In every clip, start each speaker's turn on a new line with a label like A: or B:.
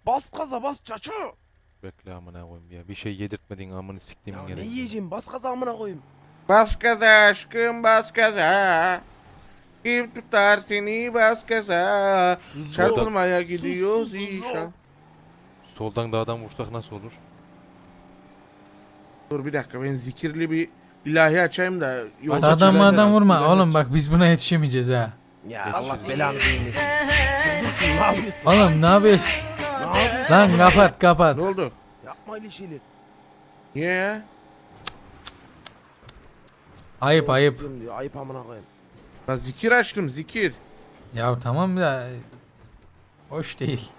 A: Bas gaza bas çaço.
B: Bekle amına koyayım ya. Bir şey yedirtmedin amını siktiğimin
A: Ya
B: yere.
A: ne yiyeceğim bas gaza amına koyayım.
C: Bas gaza aşkım bas gaza. Kim tutar seni bas gaza.
A: Suzo.
C: Çarpılmaya
A: Sus,
C: gidiyoruz
A: sus, sus.
C: inşallah.
B: Soldan dağdan vursak nasıl olur?
C: Dur bir dakika ben zikirli bir ilahi açayım da. yolda
D: Adam
C: çıkarken
D: adam vurma
C: aklıma
D: oğlum,
C: gelsin.
D: bak biz buna yetişemeyeceğiz ha.
A: Ya
B: Yetişiriz.
A: Allah belanı vermesin. Dur ne yapıyorsun?
D: Oğlum ne yapıyorsun?
A: Ne yapıyorsun?
D: Lan kapat kapat.
C: Ne oldu?
A: Yapma öyle şeyler.
C: Niye ya?
D: Ayıp ayıp.
A: Diyorum diyor, ayıp amına koyayım.
C: La zikir aşkım zikir.
D: Ya tamam da hoş değil.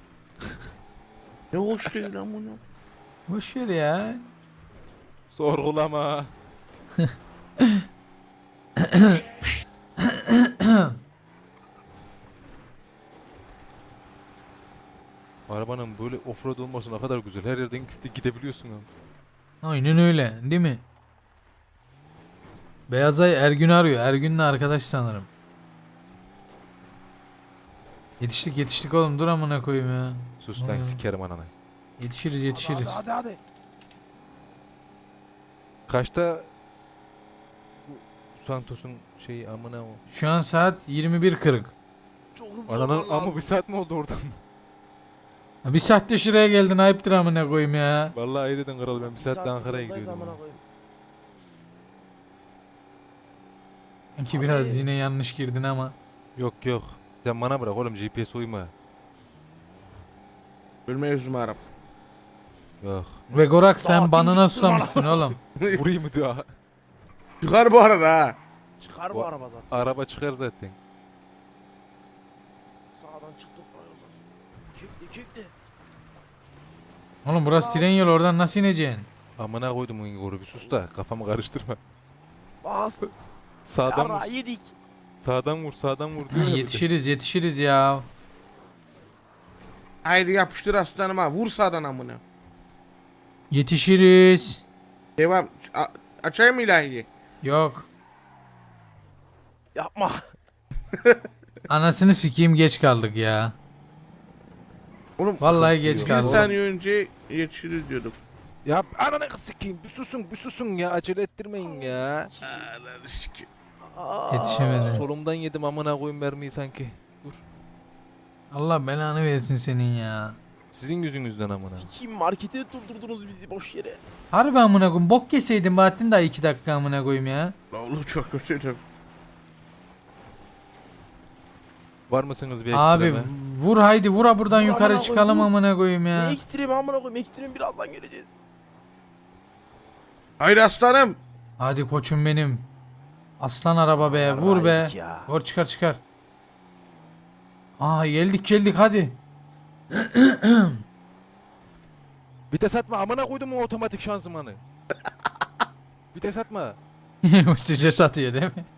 C: Ne hoş değil lan bunu.
D: Boş ver ya.
B: Sorgulama. Arabanın böyle offroad olması ne kadar güzel. Her yerden gidebiliyorsun abi.
D: Aynen öyle değil mi? Beyazay Ergün'ü arıyor. Ergün'le arkadaş sanırım. Yetiştik oğlum, dur amına koyayım ya.
B: Sus lan sikerim ananı.
D: Yetişiriz.
A: Hadi.
B: Kaçta bu Santos'un şeyi amına o.
D: Şu an saat 21:40.
A: Çok hızlı
B: Ananın
A: olman lazım.
B: ama bir saat mi oldu oradan?
D: Bir saatte şuraya geldin, ayıptır amına koyayım ya.
B: Vallahi iyi dedin kral, ben bir saatte
A: saattir
B: Ankara'ya
A: yoldayız
B: gidiyordum.
A: amına koyayım.
D: Sanki biraz yine yanlış girdin ama.
B: Yok. Sen bana bırak oğlum, GPS uyma.
C: Ölme yüzümü Arap.
B: Yok.
D: Ve Gorak sen
A: Daha
D: banana
A: dimdik
D: susamışsın oğlum.
B: Vurayım mı daha?
C: Çıkar bu arada ha.
A: Çıkar bu araba zaten.
B: Araba çıkar zaten.
A: Sağdan çıktık. Kekli.
D: Oğlum burası tren yolu, oradan nasıl ineceksin?
B: Amına koydum o Ingor'u, bir sus da kafamı karıştırma.
A: Bas.
B: Sağdan
A: Yara
B: vur.
A: yedik.
B: Sağdan vur diyor ya bir de.
D: Yetişiriz ya.
C: Haydi yapıştır aslanıma. Vur sağdan amına.
D: Yetişiriz.
C: Devam. Açayım mı ilahiyi?
D: Yok.
A: Yapma.
D: Anasını sikeyim, geç kaldık ya.
C: Oğlum
D: Vallahi geç
C: bir
D: kaldık.
C: saniye önce yetişiriz diyorduk.
B: Ya ananı sikeyim, bir susun ya, acele ettirmeyin ya.
C: Ananı sikeyim.
D: Yetişemedi.
B: Solumdan yedim amına koyayım mermiyi sanki. Dur.
D: Allah belanı versin senin ya.
B: Sizin yüzünüzden amına.
A: Sikiyim markete durdurdunuz bizi boş yere.
D: Harbi amına koyayım, bok yeseydin Bahattin daha 2 dakika amına koyayım ya.
C: La oğlum çok kötüydüm.
B: Var mısınız bir
D: Abi
B: ekstreme?
D: vur haydi, vura buradan
A: Vur
D: yukarı
A: amına
D: çıkalım
A: koyayım, vur.
D: amına koyayım
A: Ne
D: ya.
A: ekstremi amına koyayım, ekstremi birazdan geleceğiz.
C: Haydi aslanım.
D: Hadi koçum benim. Aslan araba be, vur be.
A: Yarraydık ya.
D: Vur çıkar. Aa geldik hadi.
B: Vites atma amına koydum o otomatik şanzımanı. Vites atma.
D: Stres atıyor değil mi?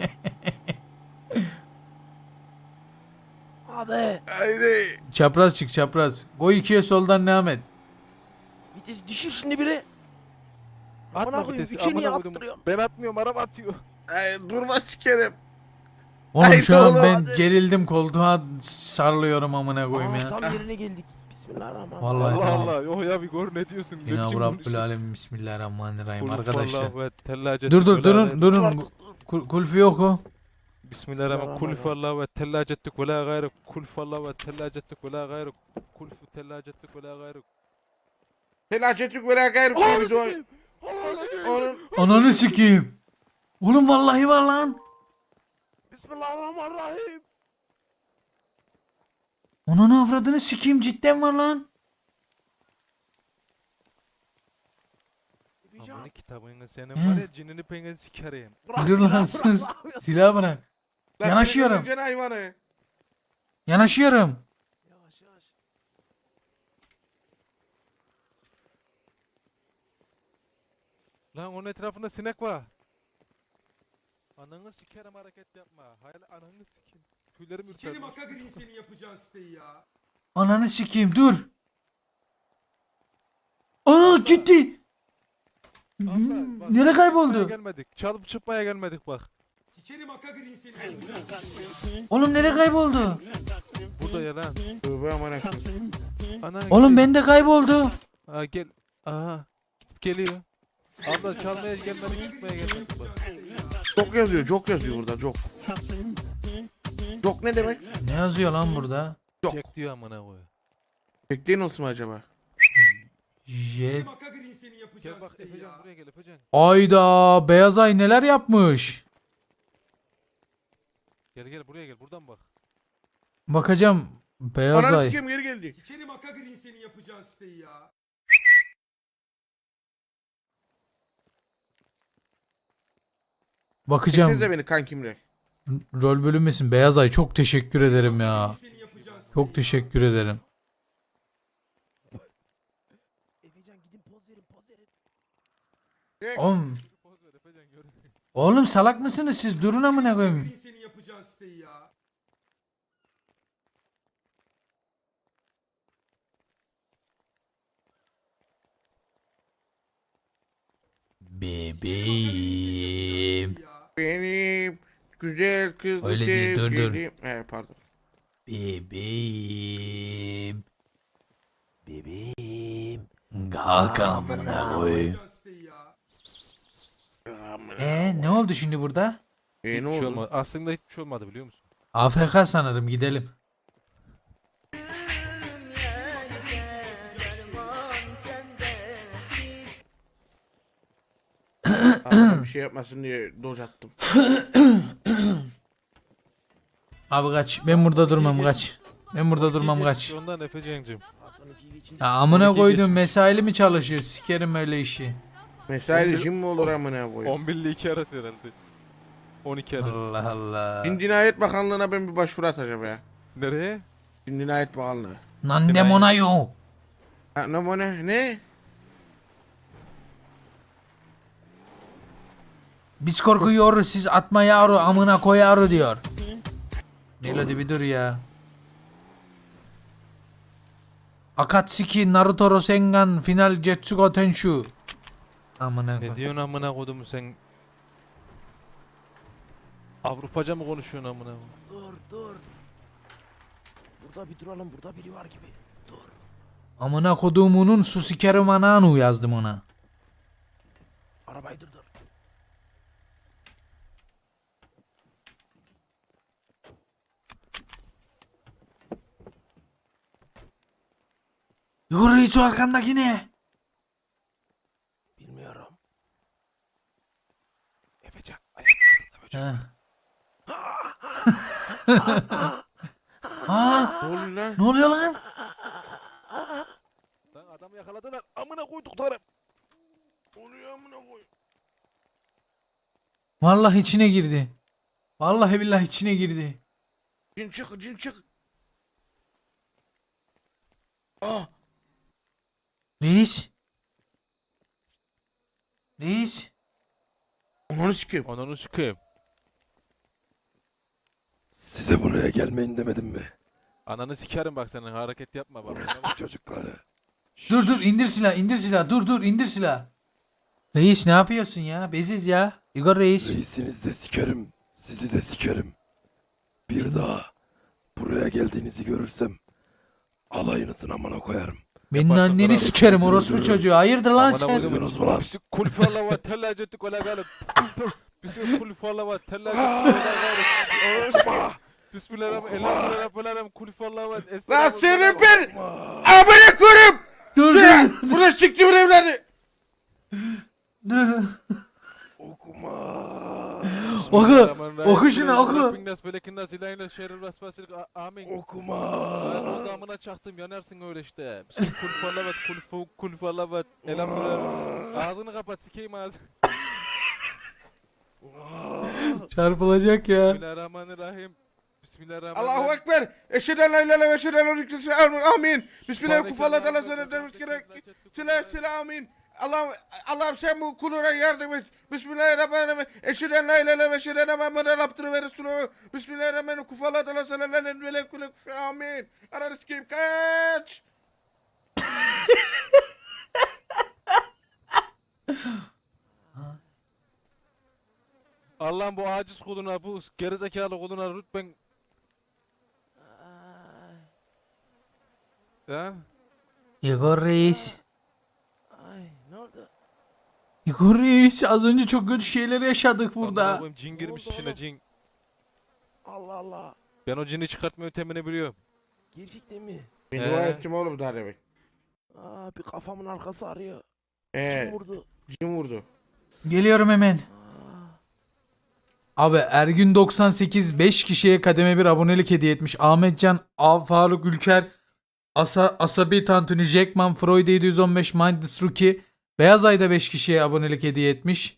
A: Hadi.
C: Haydi.
D: Çapraz çık çapraz. Koy 2'ye soldan devam et.
A: Vites düşür şimdi biri. Amına
B: Atma
A: koyayım,
B: vitesi
A: üçe niye
B: amına koydum.
A: attırıyorsun?
B: Ben atmıyorum, araba atıyor.
C: Haydi durma sikerim.
D: Oğlum
C: Haydi
D: şu an
C: oğlum,
D: ben
C: hadi.
D: gerildim, koltuğa sarlıyorum amına koyayım
A: Aa,
D: ya.
A: tam yerine geldik. Bismillahirrahmanirrahim.
D: Vallahi
B: Allah
D: tamam.
B: Allah. Yok ya bir gör ne diyorsun? Ne
D: İnna
B: biçim
D: Rabbül
B: konuşuyorsun?
D: Alemin Bismillahirrahmanirrahim
B: Kul
D: arkadaşlar.
B: huvallahu ve tellacet
D: Dur
B: ve
D: durun
B: la-
D: durun. Kulfi yok o.
B: Bismillahirrahmanirrahim. Kul huvallahu ve tellacettik ve la gayrı. Kul huvallahu ve tellacettik ve la gayrı. Kul fu tellacettik ve la gayrı.
C: Felacetlik ve la gayrı koydu. Onun
D: Ananı sikeyim. Oğlum vallahi var lan.
A: Bismillahirrahmanirrahim.
D: Ananı avradını sikeyim, cidden var lan.
B: Aman kitabını senin var ya, cinini pengeni sikereyim.
D: Dur lan sus. Silah bırak.
C: La
D: Yanaşıyorum.
C: senin hayvanı.
D: Yanaşıyorum.
A: Yavaş.
B: Lan onun etrafında sinek var. Ananı sikerim, hareket yapma. Hayır ananı sikeyim. Tüylerim ürperdi.
E: Sikerim Akagri'nin senin yapacağın siteyi ya.
D: Ananı sikeyim, dur. Aa gitti.
B: Abla, bak,
D: Nereye
B: Çıkmaya
D: kayboldu?
B: gelmedik. Çalıp çıkmaya gelmedik bak.
E: Sikerim Aka Green seni yapacağın siteyi.
D: Oğlum nereye kayboldu?
B: Burada ya lan.
C: Tövbe amına koyayım.
B: Ana
D: Oğlum
B: gel.
D: bende kayboldu.
B: Aa gel. Aha. Gidip geliyor. Abla çalmaya gelmedi gitmeye gelmedi. Bak.
C: Çok yazıyor, çok yazıyor burada, çok. Çok ne demek?
D: Ne yazıyor lan burada?
C: Yok.
B: Çek diyor amına koy.
C: Bekleyin olsun mu acaba?
D: Jet.
E: Sikerim Aka Green seni
B: Gel
E: yapacağın
B: bak
E: siteyi
B: Efecan
E: ya.
B: buraya gel Efecan.
D: Ayda Beyaz Ay neler yapmış?
B: Gel gel buraya gel buradan bak.
D: Bakacağım. Beyaz
C: Ananı
D: Ay.
C: sikeyim, geri geldi.
E: Sikerim Aka Green seni yapacağın siteyi ya.
D: Bakacağım.
C: Çeksenize beni kankimle.
D: Rol bölünmesin. Beyaz Ay çok teşekkür ederim ya.
E: Seni yapacağın siteyi
D: Çok
E: ya.
D: teşekkür ederim.
A: Efecan gidin poz verin poz verin.
D: Oğlum,
B: Poz ver Efecan gör.
D: oğlum salak mısınız siz? Durun amına
E: Aka
D: koyayım.
E: Green seni yapacağın siteyi ya.
D: Bebeğim.
E: Ya.
C: Benim güzel kız
D: Öyle değil, dur, dur.
C: sevgilim. Pardon.
D: Bebeğim.
A: Bebeğim.
D: Kalk amına koyayım.
E: Yapacağın siteyi ya.
D: Ne oldu şimdi burada?
C: Ne
B: Hiçbir şey
C: oldu?
B: olmadı. Aslında hiçbir şey olmadı biliyor musun?
D: AFK sanırım gidelim.
C: Adam bir şey yapmasın diye doz attım.
D: Abi kaç. Ben burada durmam kaç. Ben burada durmam kaç.
B: Ondan Efecan'cığım.
A: Patron TV için
D: Ya amına
B: 12
D: koydum
B: geçmiş.
D: mesaili mi çalışıyor? Sikerim öyle işi.
C: Mesai
B: 11
C: işim mi olur amına koyayım?
B: 11 ile 2 arası herhalde. 12 arası.
D: Allah Allah.
C: Din Cinayet Bakanlığı'na ben bir başvuru atacağım ya.
B: Nereye?
C: Din Cinayet Bakanlığı.
D: Nandem ona yo.
C: Ha, ne?
D: Biz korkuyoruz siz atma yavru amına koyarı diyor. Melody bir dur ya. Akatsuki Naruto Rasengan Final Jetsugo Tenshu. Amına
B: Ne
D: koy.
B: diyorsun amına kodumu sen? Avrupaca mı konuşuyorsun amına koyayım?
A: dur. Burada bir duralım burada biri var gibi. Dur.
D: Amına kodumunun su sikerim ananu yazdım ona.
A: Arabayı durdur.
D: Yukarı hiç o arkandaki ne?
A: Bilmiyorum.
B: Efecan ayaklarında böcek.
D: Ha.
C: Ne oluyor lan?
D: Ne oluyor lan?
B: Lan adamı yakaladılar. Amına koyduklarım.
C: Ne oluyor amına koyayım?
D: Vallahi içine girdi. Vallahi billahi içine girdi.
C: Cin çık. Ah,
D: Reis. Reis.
C: ananı sikeyim.
B: Ananı sikeyim.
F: Size buraya gelmeyin demedim mi?
B: Ananı sikerim bak senin hareket yapma bak.
F: Çocukları.
D: Dur indir silah dur indir silah. Reis ne yapıyorsun ya? Beziz ya. Igor Reis.
F: Reisinizi de sikerim. Sizi de sikerim. Bir daha buraya geldiğinizi görürsem alayınızın amına koyarım.
D: Benim
B: Yaparsın
D: anneni
B: bravo.
D: sikerim orospu çocuğu. Hayırdır lan
B: Amına
D: sen?
B: koydum.
F: Duydunuz mu lan?
B: Bizi kulüfarla var tellacettik öyle gayrı. Bizi kulüfarla var tellacettik öyle gayrı. Bismillahirrahmanirrahim. Kulüfarla var.
C: Lan senin bir amına koyayım.
D: Dur
C: Burada siktim evladı.
D: dur.
F: Okuma.
D: Oku şunu oku.
B: Amin.
F: Okuma.
B: Ben o damına çaktım yanarsın öyle işte. Kulüfarla var kulüfarla var. Elhamdülillah. Ağzını kapat sikeyim ağzını.
D: Çarpılacak ya.
B: Bismillahirrahmanirrahim. Bismillahirrahmanirrahim.
C: Allahu Ekber. Eşhedü en la ilahe illallah ve eşhedü enne Muhammeden Resulullah. Amin. Bismillahirrahmanirrahim. Kufallah teala Sela amin. Allah'ım sen bu kuluna yardım et. Bismillahirrahmanirrahim. Eşhedü en la ilahe illallah ve eşhedü enne Muhammeden abdühü ve resulühü. Bismillahirrahmanirrahim. Kufallah teala Sela amin. Ananı sikeyim kaç.
B: Allah'ım bu aciz kuluna, bu gerizekalı kuluna lütfen.
A: Ay,
B: Ha?
D: Igor Reis.
A: ay ne oldu?
D: Igor Reis az önce çok kötü şeyler yaşadık
B: Amına
D: burada.
B: koyayım, cin girmiş
A: Ne oldu
B: içine,
A: oğlum?
B: cin.
A: Allah Allah.
B: Ben o cini çıkartma yöntemini biliyorum.
A: Gerçekten mi?
C: Ben
B: He.
C: dua ettim oğlum daha demek.
A: Aa, bir kafamın arkası ağrıyor.
C: He.
A: Kim vurdu?
C: Kim vurdu?
D: Geliyorum hemen.
A: Aa,
D: Abi Ergün 98 5 kişiye kademe bir abonelik hediye etmiş. Ahmetcan, Faruk Ülker, Asabi Tantuni, Jackman, Freud 715, Mindless Rookie, Beyaz Ay'da 5 kişiye abonelik hediye etmiş.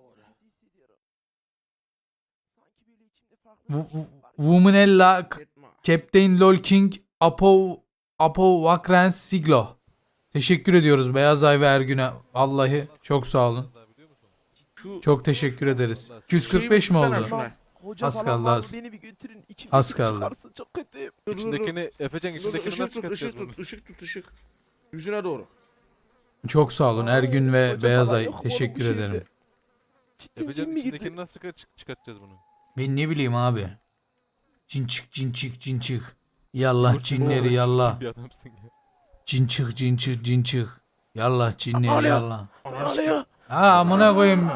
A: sanki böyle içimde farklı bir şey var.
D: Womanella,
C: Etme.
D: Captain LOL King, Apo Vakrens Siglo. Teşekkür ediyoruz Beyaz Ay ve Ergün'e. Vallahi çok sağ olun.
C: Şu
D: Çok teşekkür ederiz.
C: şeyi
D: 245 mi
C: tutsana
D: oldu?
C: şuna.
A: Hoca
D: Az
A: falan
D: kaldı,
A: var mı?
D: az.
A: Beni bir götürün. İçimdeki
D: Az kaldı.
A: çıkarsın, çok kötüyüm.
C: Dur, dur, dur.
B: İçindekini, Efecan
C: Dur, dur,
B: içindekini
C: ışık
B: nasıl
C: tut, ışık
B: çıkartacağız bunu?
C: tut, ışık tut, ışık. Yüzüne doğru.
D: Çok sağ olun Ergün ve
A: Hoca
D: Beyaz
A: falan
D: Ay.
A: yok mu oğlum bu
D: Teşekkür
A: şehirde?
D: ederim.
A: Cidden
B: Efecan
A: cin mi girdi?
B: içindekini nasıl çıkartacağız bunu?
D: Ben ne bileyim abi. Cin çık cin çık cin çık. Yallah cinleri yallah.
B: Bir adamsın ya.
D: Cin çık cin çık cin çık. Yallah cinleri
A: Alo.
D: yallah.
A: Ne oluyor?
D: Ha amına koyayım.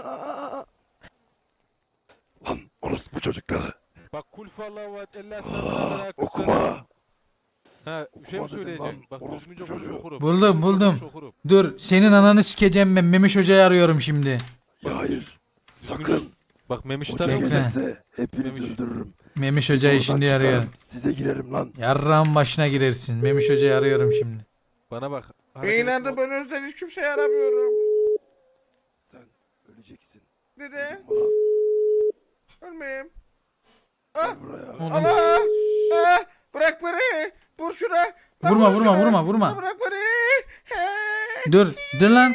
F: Lan orospu çocukları.
B: Bak kul fallahu ve ella
F: Okuma.
B: Ha bir şey mi
F: Okuma dedim
B: söyleyeceğim?
F: lan,
B: Bak
F: orospu
B: düzgünce
F: çocuğu.
B: konuş okurum.
D: Buldum,
B: Düzgünce
D: buldum.
B: konuş okurum.
D: Dur senin ananı sikeceğim ben. Memiş Hoca'yı arıyorum şimdi.
F: Ya hayır. Sakın.
B: Bak Memiş'i
F: Hoca
B: tanıyor musun?
D: Bekle.
F: gelirse hepinizi
B: Memiş.
F: öldürürüm.
D: Memiş Hoca'yı
F: Oradan
D: şimdi
F: çıkarım,
D: arıyorum.
F: Size girerim lan.
D: Yarrağın başına girersin. Memiş Hoca'yı arıyorum şimdi.
B: Bana bak.
C: Beynende ben özden hiç kimseye aramıyorum.
F: Sen öleceksin.
C: Neden?
F: Bana
C: Ölmeyeyim.
F: gel buraya.
D: Oğlum,
C: Allah! Ah! Bırak beni! Vur şuna! Lan
D: Vurma,
C: vur
D: vurma,
C: şuna!
D: vurma, vurma.
C: Lan bırak beni! Hey!
D: Dur lan.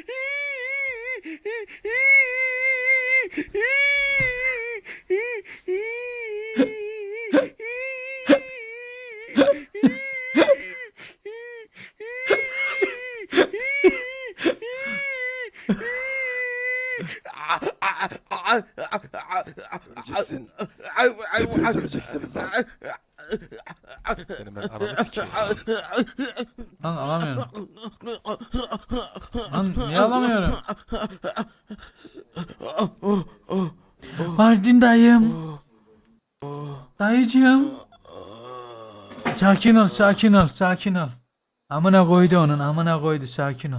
F: Öleceksin. Hepiniz öleceksiniz lan.
B: Benim ben ananı sikeyim.
D: Lan alamıyorum. Lan niye alamıyorum? Mardin dayım. Dayıcığım. Sakin ol, sakin ol, sakin ol. Amına koydu onun, amına koydu, sakin ol.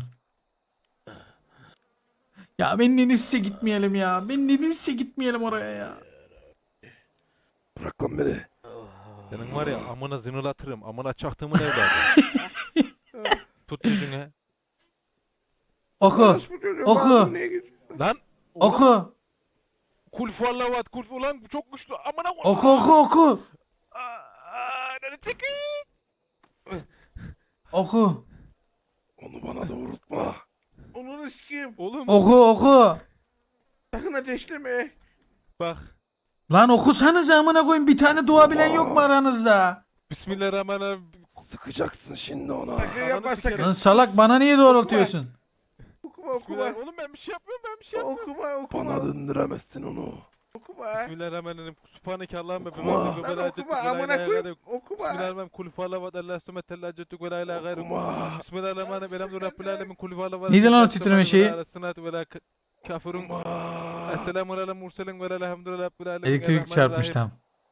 D: Ya ben dedim size gitmeyelim ya. Ben dedim size gitmeyelim oraya ya.
F: Bırak lan beni.
B: Senin var ya amına zınılatırım. Amına çaktığımın evladı. Tut yüzüne.
D: Oku,
C: Orospu çocuğu,
D: Oku.
C: bana niye gidiyor?
B: Lan.
D: oku,
B: Kul fallavat kul ulan bu çok güçlü. Amına koy.
D: oku, oku, oku.
B: Ananı sikeyim.
D: Oku,
F: Onu bana doğrultma.
C: Onu sikeyim.
B: Oğlum
D: oku, oku.
C: Sakın ateşleme.
B: bak.
D: Lan okusanız amına koyayım, bir tane dua bilen yok mu aranızda?
B: Bismillahirrahmanirrahim.
F: Sıkacaksın şimdi ona.
C: Sakın yapma
B: Ananı sikerim.
C: sakın.
D: Lan salak bana niye doğrultuyorsun?
C: Okuma okuma.
B: Bismillah. Oğlum ben bir şey yapmıyorum ben bir şey yapmıyorum.
C: Okuma okuma.
F: Bana döndüremezsin onu.
C: Okuma.
B: Bismillahirrahmanirrahim. Subhaneke Allahümme
F: Okuma.
B: bihamdike ve
C: Lan
B: la
C: okuma
B: cettik ve la
C: amına
B: ilahe
C: koyayım.
B: gayruk.
C: Okuma.
B: Bismillahirrahmanirrahim. Kul fallavat Allah sümet la cettik ve la ilahe gayruk.
F: Okuma.
B: Bismillahirrahmanirrahim. Elhamdülillahi rabbil alemin. Kul fallavat.
D: Neydi lan o titreme şeyi?
B: Ve la kafirun. Esselamu aleyhi murselin ve elhamdülillahi rabbil alemin.
D: Elektrik çarpmış tam.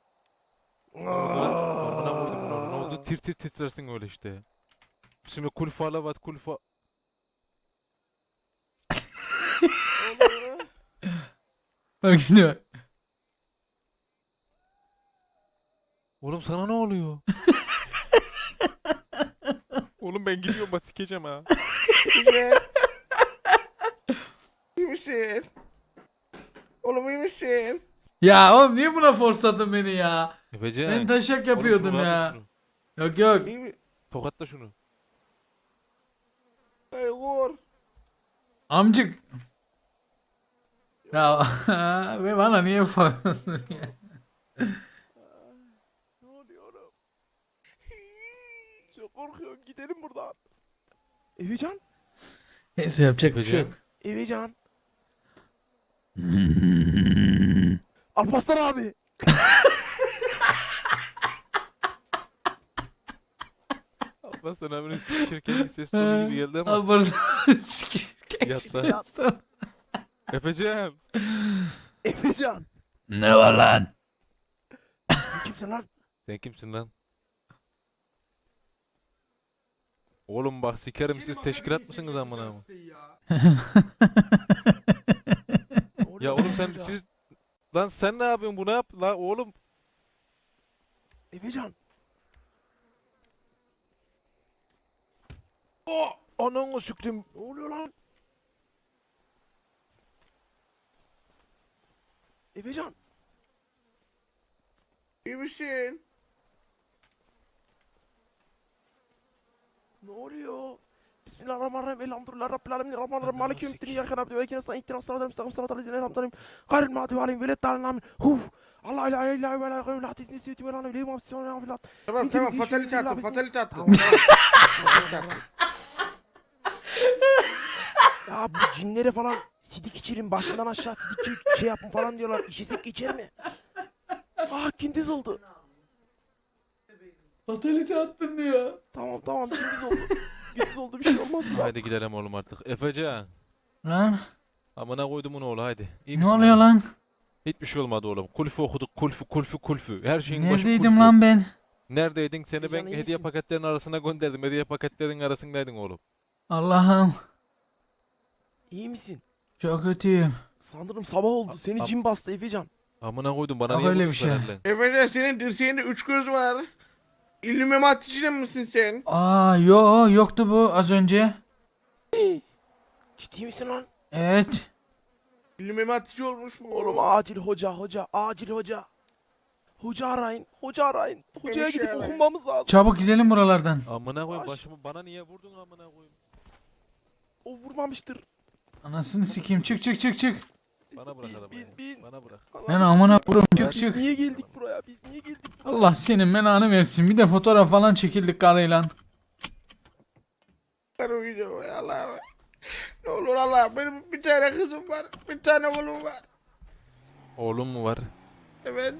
B: Amına koydum bunu. Ne oldu? Tir tir titrersin öyle işte. Şimdi kul fallavat kul fa...
D: Bak şimdi bak.
B: Oğlum sana ne oluyor? Oğlum ben gidiyorum bak sikeceğim ha.
C: Güzel. İyi misin? Oğlum iyi misin?
D: Ya oğlum niye buna forsladın beni ya?
B: Efecan.
D: Ben taşak yapıyordum ya. Yok yok.
C: İyi mi?
B: Tokatla şunu.
C: Ay vur.
D: Amcık. Ya ve bana niye forsladın ya?
A: Ne oluyor oğlum? Çok korkuyorum. Gidelim buradan. Evecan.
D: Neyse yapacak bir şey yok.
A: Evecan. Alparslan abi.
B: Alparslan abinin şirketin bir ses tonu gibi geldi ama.
D: Alparslan sikeyim.
B: Yatta. Efecan.
A: Efecan.
D: Ne var lan?
A: Sen kimsin lan?
B: Sen kimsin lan? Oğlum bak sikerim siz
E: Sikerim
B: teşkilat
E: aga
B: mısınız
E: senin
B: amına?
E: yapacağın siteyi ya.
A: Ne oluyor
B: Ya
A: lan
B: oğlum sen
A: Efecan?
B: siz lan sen ne yapıyorsun bunu yap la oğlum.
A: Efecan.
B: Ananı süktüm.
A: Ne oluyor lan? Efecan.
C: İyi misin?
A: Ne oluyor? Bismillahirrahmanirrahim. Elhamdülillah Rabbil alemin. Rahmanirrahim. Maliki yevmiddin. İyyâke na'budu ve iyyâke nestaîn. İhdinas sıratal müstakîm. Sıratal lezîne en'amte aleyhim. Gayril mağdûbi aleyhim ve leddâlin. Amin. Allah ilahe illa huve la ilahe illa tesnisi ve la ilahe illa huve.
C: Tamam
A: Biz-
C: tamam
A: biz-
C: fatalite
A: biz-
C: attım
A: biz-
C: fatalite attım.
A: Tamam.
C: Fatalite attım.
A: Ya bu cinlere falan sidik içirin, başından aşağı sidik şey yapın falan diyorlar. İşesek geçer mi? Kindiz oldu.
D: Fatalite attın diyor.
A: Tamam kindiz oldu. Kindiz oldu, bir şey olmaz mı?
B: Haydi gidelim oğlum artık. Efecan.
D: Lan
B: Amına koydumun oğlu haydi. İyi
D: ne
B: misin
D: oluyor
B: oğlum?
D: lan?
B: Hiçbir şey olmadı oğlum. Kulfü okuduk kulfü. Her şeyin başı
D: Neredeydim
B: kulfü.
D: lan ben?
B: Neredeydin? Seni ben
A: Efecan, iyi
B: hediye
A: misin?
B: paketlerinin arasına gönderdim. Hediye paketlerinin arasındaydın oğlum.
D: Allah'ım
A: İyi misin?
D: çok kötüyüm.
A: Sanırım sabah oldu. Seni cin bastı Efecan.
B: Amına koydum bana
D: Yok
B: niye
D: öyle
B: vurdun
D: bir şey.
B: sen elden?
C: Efendim senin dirseğinde 3 göz var. İlluminati'de misin sen?
D: Yoktu bu az önce.
A: Ciddi misin lan?
D: Evet.
C: İlluminati'ci olmuş mu?
A: Oğlum acil acil hoca. Hoca arayın. Hocaya
C: Beni
A: gidip
C: şey arayın.
A: okunmamız lazım.
D: Çabuk gidelim buralardan.
B: Amına koyayım
A: Baş-
B: başımı bana niye vurdun amına koyayım?
A: O vurmamıştır.
D: Anasını sikeyim çık.
B: Bana bırak arabayı.
A: bin.
B: Bana bırak.
D: Ben amına vurum
A: Biz
D: çık.
A: niye geldik buraya?
D: Allah senin belanı versin. Bir de fotoğraf falan çekildik karıyla.
C: Bu video ya Allah. Ne olur Allah benim bir tane kızım var. Bir tane oğlum var.
B: Oğlum mu var?
C: Evet.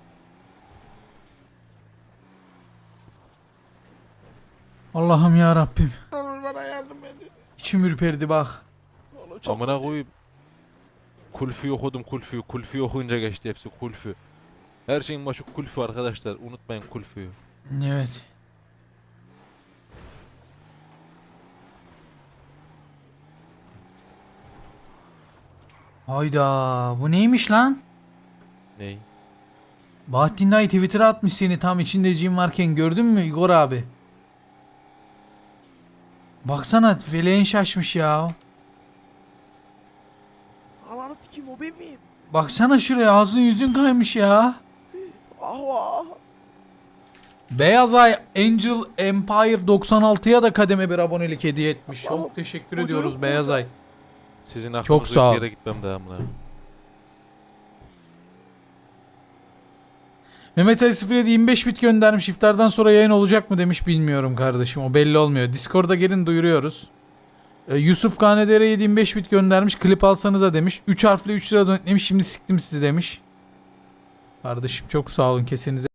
D: Allah'ım ya Rabbim.
C: Ne olur bana yardım edin.
D: İçim ürperdi bak.
A: Vallahi çok
B: Amına koyayım. Kulfü okudum kulfü. Kulfü okuyunca geçti hepsi kulfü. Her şeyin başı kulfü arkadaşlar. Unutmayın kulfüyü.
D: Evet. Hayda bu neymiş lan?
B: Ney?
D: Bahattin Dayı Twitter'a atmış seni tam içinde cin varken gördün mü Igor abi? Baksana feleğin şaşmış ya.
A: Ananı sikeyim, o ben miyim?
D: Baksana şuraya ağzın yüzün kaymış ya.
A: Ah.
D: Beyaz Ay Angel Empire 96'ya da kademe bir abonelik hediye etmiş. Çok teşekkür
A: Hocam,
D: ediyoruz Beyaz Ay.
B: Sizin aklınız
D: Çok sağ ol.
B: bir yere gitmem daha amına.
D: Mehmet Ali 07 25 bit göndermiş. İftardan sonra yayın olacak mı demiş, bilmiyorum kardeşim. O belli olmuyor. Discord'a gelin duyuruyoruz. Yusuf Kanedere 7 25 bit göndermiş. Klip alsanıza demiş. 3 harfli 3 lira demiş. Şimdi siktim sizi demiş. Kardeşim çok sağ olun, kesenize.